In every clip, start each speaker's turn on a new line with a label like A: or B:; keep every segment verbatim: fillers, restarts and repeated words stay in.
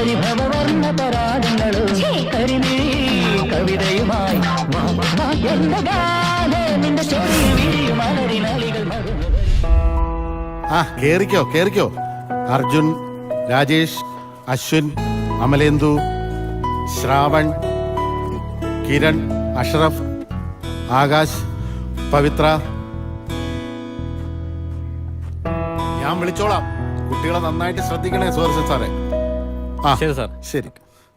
A: പരിഭവവർണ്ണ പരാഗങ്ങളും കരിമിഴി കവിതയുമായി നിന്റെ ചെറിയ വിഴിയും അലരിനാളികൾ
B: ആ കേറിക്കോ കേറിക്കോ. അർജുൻ, രാജേഷ്, അശ്വിൻ, അമലേന്ദു, ശ്രാവൺ, കിരൺ, അഷ്റഫ്, ആകാശ്, പവിത്ര. ഞാൻ വിളിച്ചോളാം. കുട്ടികളെ നന്നായിട്ട് ശ്രദ്ധിക്കണേ സുഹൃത്ത് സാറേ. ആ
C: ശരി സാർ.
B: ശരി.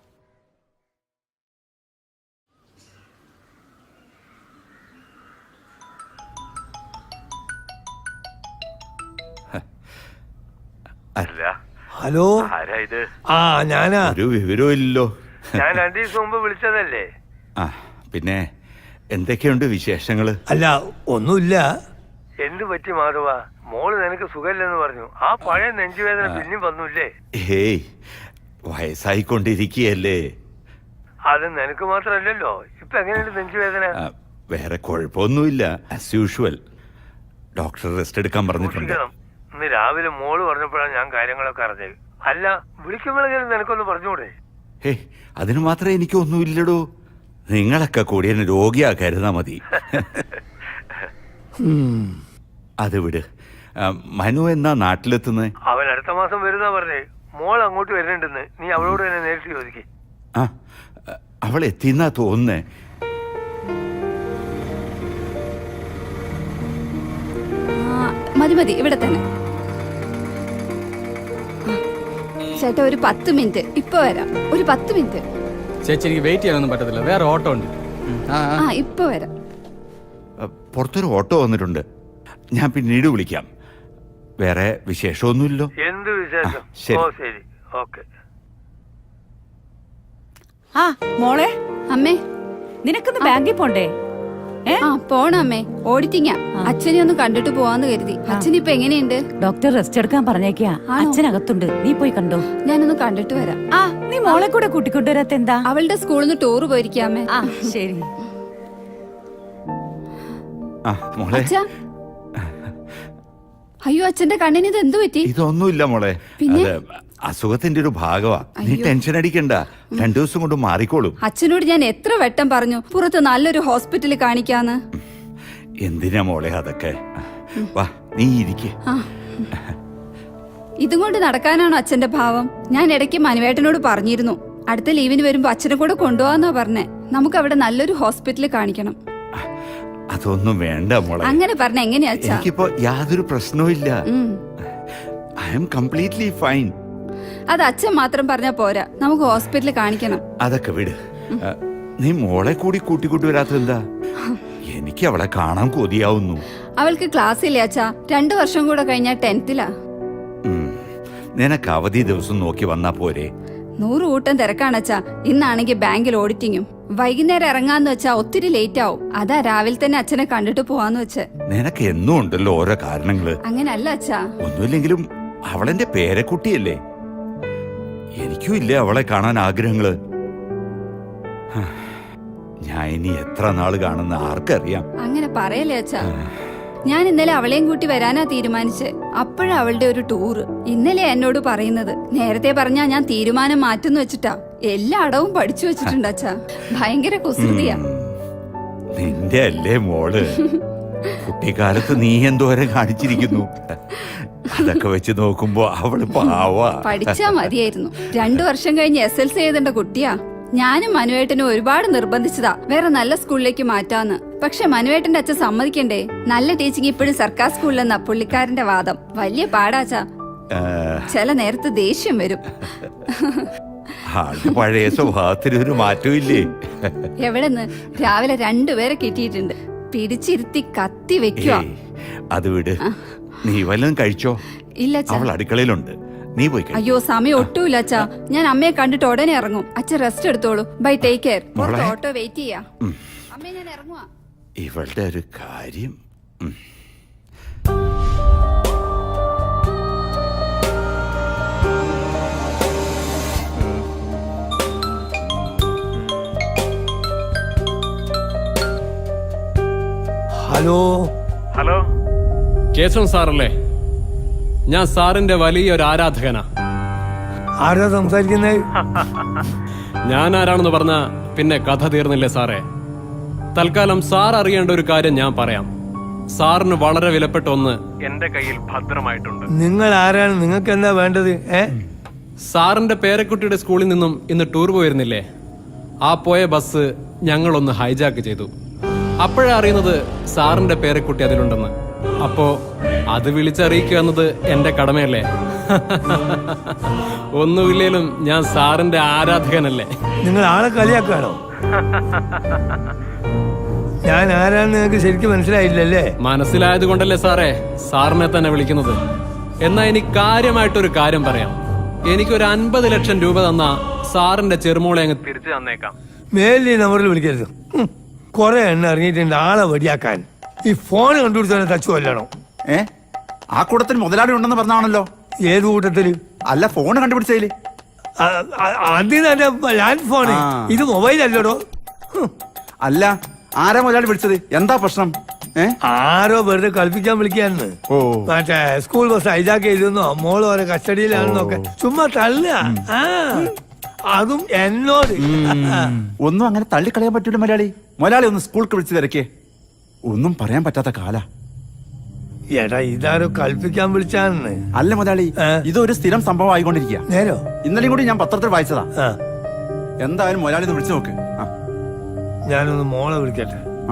D: ഹലോ, ആ ഞാനാ.
E: ഒരു വിവരവും ഇല്ലല്ലോ.
F: ഞാൻ രണ്ടു ദിവസം മുമ്പ് വിളിച്ചതല്ലേ.
E: ആ പിന്നെ എന്തൊക്കെയുണ്ട് വിശേഷങ്ങള്?
D: അല്ല ഒന്നുമില്ല.
F: എന്ത് പറ്റി മാധവ? മോള് നിനക്ക് സുഖമില്ലെന്ന് പറഞ്ഞു. ആ പഴയ നെഞ്ചുവേദന പിന്നെയും വന്നൂല്ലേ?
E: ഹേയ്, വയസ്സായിക്കൊണ്ടിരിക്കുകയല്ലേ.
F: അത് നിനക്ക് മാത്രല്ലല്ലോ. ഇപ്പൊ എങ്ങനെയുണ്ട് നെഞ്ചുവേദന?
E: വേറെ കുഴപ്പമൊന്നുമില്ല. As usual. ഡോക്ടർ റെസ്റ്റ് എടുക്കാൻ പറഞ്ഞിട്ടുണ്ട്.
F: ഇന്ന് രാവിലെ മോള് പറഞ്ഞപ്പോഴാണ് ഞാൻ കാര്യങ്ങളൊക്കെ അറിഞ്ഞത്. അല്ല, വിളിക്കുമ്പോഴെങ്കിലും നിനക്കൊന്ന് പറഞ്ഞൂടെ?
E: ഹേ, അതിന് മാത്രമേ എനിക്കൊന്നുമില്ലടോ. നിങ്ങളൊക്കെ കൂടി എന്നെ രോഗിയാക്കരുതാ മതി. അത് വിട്. മനു എന്നാ നാട്ടിലെത്തുന്നത്?
F: അവൻ അടുത്ത മാസം വരുന്നാ പറഞ്ഞേ. മോൾ അങ്ങോട്ട് വരുന്നുണ്ടെന്ന്. നീ അവളോട് തന്നെ നേരിട്ട് ചോദിക്കേ.
E: ആ, അവൾ എത്തിന്നാ തോന്നുന്നേ.
G: മതി മതി, ഇവിടെ തന്നെ. ചേട്ടാ ഒരു പത്ത് മിനിറ്റ്, ഇപ്പൊ വരാം. ഒരു പത്ത് മിനിറ്റ്.
C: ചേച്ചി, എനിക്ക് വെയിറ്റ് ചെയ്യാനൊന്നും പറ്റത്തില്ല. വേറെ ഓട്ടോ ഉണ്ട്.
G: ആ ഇപ്പൊ വരാം.
E: പുറത്തൊരു ഓട്ടോ വന്നിട്ടുണ്ട്. ഞാൻ പിന്നീട് വിളിക്കാം. വേറെ വിശേഷമൊന്നുമില്ലോ.
F: എന്ത് വിശേഷം?
E: ശരി.
F: ഓ ശരി, ഓക്കെ.
H: ആ മോളെ,
G: അമ്മേ
H: നിനക്കൊന്ന് ബാങ്കിൽ പോണ്ടേ?
G: ആ പോണം അമ്മേ, ഓഡിറ്റിങ്ങാ. അച്ഛനെ ഒന്ന് കണ്ടിട്ട് പോവാന്ന് കരുതി. അച്ഛൻ ഇപ്പൊ എങ്ങനെയുണ്ട്?
H: ഡോക്ടർ റെസ്റ്റ് എടുക്കാൻ പറഞ്ഞേക്കാ. അച്ഛനകത്തുണ്ട്, നീ പോയി കണ്ടോ.
G: ഞാനൊന്ന് കണ്ടിട്ട് വരാം.
H: ആ നീ മോളെ കൂടെ കൂട്ടിക്കൊണ്ടുവരാത്ത എന്താ?
G: അവളുടെ സ്കൂളിൽ നിന്ന് ടൂർ പോയിരിക്കാമേ.
H: ആ ശരി.
G: അച്ഛാ, അയ്യോ അച്ഛന്റെ കണ്ണിന് ഇത് എന്ത് പറ്റി?
E: ഇതൊന്നുമില്ല മോളെ. അസുഖത്തിന്റെ ഒരു ഭാഗമാ. നീ ടെൻഷൻ അടിക്കണ്ട. രണ്ടു ദിവസം കൊണ്ട് മാറിക്കോളും.
G: അച്ഛനോട് ഞാൻ എത്ര വട്ടം പറഞ്ഞു പുറത്ത് നല്ലൊരു ഹോസ്പിറ്റലിൽ കാണിക്കാന്ന്.
E: എന്തിനാ മോളെ അതൊക്കെ? വാ, നീ ഇരിക്കേ.
G: ഇതും കൊണ്ട് നടക്കാനാണോ അച്ഛന്റെ ഭാവം? ഞാൻ ഇടയ്ക്ക് മനുവേട്ടനോട് പറഞ്ഞിരുന്നു, അടുത്ത ലീവിന് വരുമ്പോ അച്ഛനെ കൂടെ കൊണ്ടുപോവാന്നാ പറഞ്ഞേ. നമുക്ക് അവിടെ നല്ലൊരു ഹോസ്പിറ്റലിൽ കാണിക്കണം.
E: അതൊന്നും വേണ്ട മോളെ.
G: അങ്ങനെ പറഞ്ഞ എങ്ങനെയാ അച്ഛാ?
E: എനിക്കിപ്പോ യാതൊരു പ്രശ്നവും ഇല്ല. I am completely fine.
G: അത് അച്ഛൻ മാത്രം പറഞ്ഞാ പോരാ, നമുക്ക് ഹോസ്പിറ്റലിൽ കാണിക്കണം.
E: അതൊക്കെ വിട്. നീ മോളെ കൂടി കൂട്ടിക്കൂട്ടി വരാത്തെന്താ? എനിക്ക് അവളെ കാണാൻ കൊതിയാവുന്നു.
G: അവൾക്ക് ക്ലാസ് ഇല്ലേ അച്ഛാ? രണ്ടു വർഷം കൂടെ കഴിഞ്ഞാ ടെൻത്തിലാ.
E: നിനക്ക് അവധി ദിവസം നോക്കി വന്നാ പോരെ?
G: നൂറ് കൂട്ടം തിരക്കാണച്ചാ. ഇന്നാണെങ്കിൽ ബാങ്കിൽ ഓഡിറ്റിങ്ങും. വൈകുന്നേരം ഇറങ്ങാന്ന് വെച്ചാ ഒത്തിരി ലേറ്റ് ആവും. അതാ രാവിലെ തന്നെ അച്ഛനെ കണ്ടിട്ട് പോവാന്ന് വെച്ച്.
E: നിനക്ക് എന്നും ഉണ്ടല്ലോ ഓരോ കാരണങ്ങള്.
G: അങ്ങനല്ല അച്ഛാ.
E: ഒന്നുമില്ലെങ്കിലും അവളെന്റെ പേരക്കുട്ടിയല്ലേ. എനിക്കും ഇല്ലേ അവളെ കാണാൻ ആഗ്രഹങ്ങള്. ഞാൻ ഇനി എത്ര നാള് കാണുന്ന ആർക്കറിയാം.
G: അങ്ങനെ പറയല്ലേ അച്ഛാ. ഞാൻ ഇന്നലെ അവളെയും കൂട്ടി വരാനാ തീരുമാനിച്ച്. അപ്പോഴാ അവളുടെ ഒരു ടൂറ്. ഇന്നലെ എന്നോട് പറയുന്നത്. നേരത്തെ പറഞ്ഞാ ഞാൻ തീരുമാനം മാറ്റുന്നു വെച്ചിട്ടാ. എല്ലാ അടവും പഠിച്ചു വെച്ചിട്ടുണ്ട് അച്ഛാ. ഭയങ്കര കുസൃതിയാ.
E: നിന്റെ അല്ലേ മോള്? കുട്ടിക്കാലത്ത് നീ എന്തോരം കാണിച്ചിരിക്കുന്നു. അതൊക്കെ വെച്ച് നോക്കുമ്പോ അവള് പാവാ.
G: പഠിച്ചാ മതിയായിരുന്നു. രണ്ടു വർഷം കഴിഞ്ഞ് എസ് എൽ സി എഴുതേണ്ട കുട്ടിയാ. ഞാനും മനുവേട്ടനും ഒരുപാട് നിർബന്ധിച്ചതാ വേറെ നല്ല സ്കൂളിലേക്ക് മാറ്റാന്ന്. പക്ഷെ മനുവേട്ടന്റെ അച്ഛൻ സമ്മതിക്കണ്ടേ. നല്ല ടീച്ചിങ് ഇപ്പോഴും സർക്കാർ സ്കൂളിലെന്നാ പുള്ളിക്കാരന്റെ വാദം. വലിയ പാടാച്ചാ. ചില നേരത്ത് ദേഷ്യം വരും.
E: പഴയ സ്വഭാവത്തിന് ഒരു മാറ്റവും ഇല്ലേ?
G: എവിടെന്ന് രാവിലെ രണ്ടുപേരെ കിട്ടിയിട്ടുണ്ട്. പിടിച്ചിരുത്തി കത്തി വെക്കുവാ.
E: അത് വിട്. നീ വല്ലതും കഴിച്ചോ?
G: ഇല്ല,
E: അവൾ അടുക്കളയിലുണ്ട്. നീ പോയി.
G: അയ്യോ സമയം ഒട്ടുമില്ല അച്ഛാ. ഞാൻ അമ്മയെ കണ്ടിട്ട് ഉടനെ ഇറങ്ങും. അച്ഛൻ റെസ്റ്റ് എടുത്തോളൂ. Bye, take care. Auto wait ചെയ്യാ. അമ്മേ ഞാൻ ഇറങ്ങുവാ.
E: ഇവളുടെ ഒരു കാര്യം.
D: ഹലോ
F: ഹലോ,
C: കേശവൻ സാറല്ലേ? ഞാൻ സാറിന്റെ വലിയൊരു ആരാധകനാ.
D: ആരാ സംസാരിക്കുന്നത്?
I: ഞാൻ ആരാണെന്ന് പറഞ്ഞ പിന്നെ കഥ തീർന്നില്ലേ സാറേ? തൽക്കാലം സാർ അറിയേണ്ട ഒരു കാര്യം ഞാൻ പറയാം. സാറിന് വളരെ വിലപ്പെട്ട ഒന്ന് എന്റെ കയ്യിൽ ഭദ്രമായിട്ടുണ്ട്.
D: നിങ്ങൾ ആരാണ്? നിങ്ങൾക്ക് എന്താ വേണ്ടത്? ഏ
I: സാറിന്റെ പേരക്കുട്ടിയുടെ സ്കൂളിൽ നിന്നും ഇന്ന് ടൂർ പോയിരുന്നില്ലേ? ആ പോയ ബസ് ഞങ്ങളൊന്ന് ഹൈജാക്ക് ചെയ്തു. അപ്പോഴാ അറിയുന്നത് സാറിന്റെ പേരക്കുട്ടി അതിലുണ്ടെന്ന്. അപ്പോ അത് വിളിച്ചറിയിക്കുക എന്നത് എന്റെ കടമയല്ലേ? ഒന്നുമില്ലേലും ഞാൻ സാറിന്റെ ആരാധകനല്ലേ?
D: നിങ്ങൾ ആളെ കളിയാക്കാണോ? ഞാൻ ആരാന്ന് നിങ്ങൾക്ക് ശരിക്കും മനസ്സിലായില്ലല്ലേ?
I: മനസ്സിലായത് കൊണ്ടല്ലേ സാറേ സാറിനെ തന്നെ വിളിക്കുന്നത്. എന്നാ എനിക്ക് കാര്യമായിട്ടൊരു കാര്യം പറയാം. എനിക്കൊരു അൻപത് ലക്ഷം രൂപ തന്ന സാറിന്റെ ചെറുമോളെ അങ്ങ് തിരിച്ചു തന്നേക്കാം.
D: മേലി നമ്പറിൽ വിളിക്കരുത്. കൊറേ എണ്ണ ഇറങ്ങിയിട്ടുണ്ട് ആളെ വടിയാക്കാൻ. ഈ ഫോൺ കണ്ടുപിടിച്ചാൽ തച്ചു കൊല്ലണം.
E: ഏ ആ കൂട്ടത്തിൽ മുതലാളി ഉണ്ടെന്ന് പറഞ്ഞാണല്ലോ.
D: ഏത് കൂട്ടത്തില്?
E: അല്ല, ഫോൺ കണ്ടുപിടിച്ചതില്.
D: അതിന് ലാൻഡ് ഫോണ്.
E: ആ.
D: ഇത് മൊബൈൽ അല്ലടോ.
E: അല്ല, ആരാ മുതലാളി വിളിച്ചത്? എന്താ പ്രശ്നം? ഏ
D: ആരോ വെറുതെ കളിപ്പിക്കാൻ വിളിക്കാന്ന്.
E: ഓ.
D: മറ്റേ സ്കൂൾ ബസ് ഹൈജാക്ക് ചെയ്തെന്നോ മോള് ഓരോ കസ്റ്റഡിയിലാണെന്നൊക്കെ ചുമ്മാ തള്ളുക. ആ അതും എന്നോട്.
E: ഒന്നും അങ്ങനെ തള്ളിക്കളയാൻ പറ്റൂല മുതലാളി. മുതലാളി ഒന്ന് സ്കൂൾക്ക് വിളിച്ചു തിരക്കേ. ഒന്നും പറയാൻ പറ്റാത്ത കാല.
D: എടാ ഇതാരോ കളിപ്പിക്കാൻ വിളിച്ചാന്ന്.
E: അല്ല മുതലാളി,
D: ഏ?
E: ഇതൊരു സ്ഥിരം സംഭവം ആയിക്കൊണ്ടിരിക്കുക.
D: നേരോ?
E: ഇന്നലെയും കൂടി ഞാൻ പത്രത്തിൽ വായിച്ചതാ.
D: ആ
E: എന്തായാലും മുതലാളി ഒന്ന് വിളിച്ചു നോക്ക്. ആ
D: ഞാനൊന്ന് മോളെ വിളിക്കട്ടെ.
E: ആ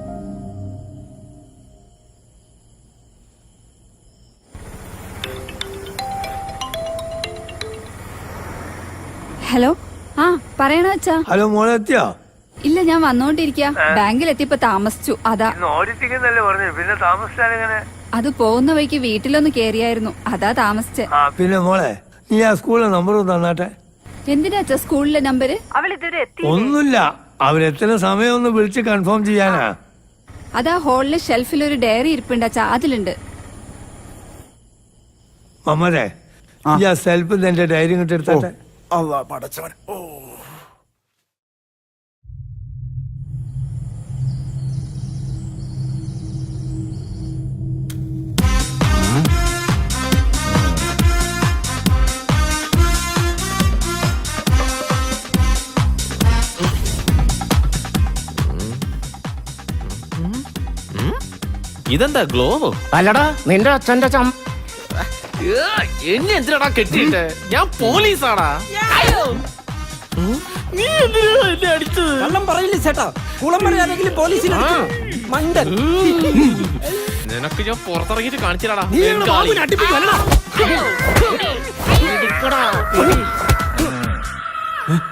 G: ഹലോ. ആ പറയണ അച്ഛാ.
D: ഹലോ മോളെ എത്തിയോ?
G: ഇല്ല, ഞാൻ വന്നോണ്ടിരിക്കാ. ബാങ്കിൽ എത്തിയപ്പോ താമസിച്ചു. അതാ.
F: ഇന്ന് ഓടിച്ചിരിക്കുന്നല്ലേ പറഞ്ഞു, പിന്നെ താമസിച്ചാലെങ്ങനെ?
G: അത് പോകുന്ന വഴിക്ക് വീട്ടിലൊന്ന് കേറിയായിരുന്നു. അതാ താമസിച്ചെ.
F: ആ
D: പിന്നെ മോളെ നീ ആ സ്കൂളിലെ നമ്പർ തന്നാട്ടെ.
G: എന്തിനാ അച്ഛാ സ്കൂളിലെ നമ്പര്?
D: ഒന്നുമില്ല, അവരെത്തുന്ന സമയം ഒന്ന് വിളിച്ച് കൺഫേം ചെയ്യാനാ.
G: അതാ ഹോളിലെ ഷെൽഫിൽ ഒരു ഡയറി ഇരിപ്പുണ്ട് അച്ഛാ, അതിലുണ്ട്.
D: മമ്മരെ ഈ ആ സെൽഫ് എന്റെ ഡയറി ഇങ്ങോട്ട് എടുത്താട്ടെ.
E: അള്ളാ പടച്ചവൻ. ഓ
J: ഇതെന്താ ഗ്ലോവോ?
A: അല്ലടാ നിന്റെ അച്ഛന്റെ ചം
J: എന്നെ എന്തിനാടാ കെട്ടിയിട്ട്? ഞാൻ പോലീസാടാ. നീ എന്തിനാ എന്നെ അടിച്ചത്?
A: കള്ളം പറയില്ല ചേട്ടാ. കുളം പറയാനെങ്കിലും പോലീസിൽ മണ്ടൻ.
J: നിനക്ക് ഞാൻ പുറത്തിറങ്ങിട്ട് കാണിച്ചിടാടാ.
A: നീ ഞങ്ങളുടെ ബാബുവിനെ അടിപ്പിക്കുവല്ലടാ.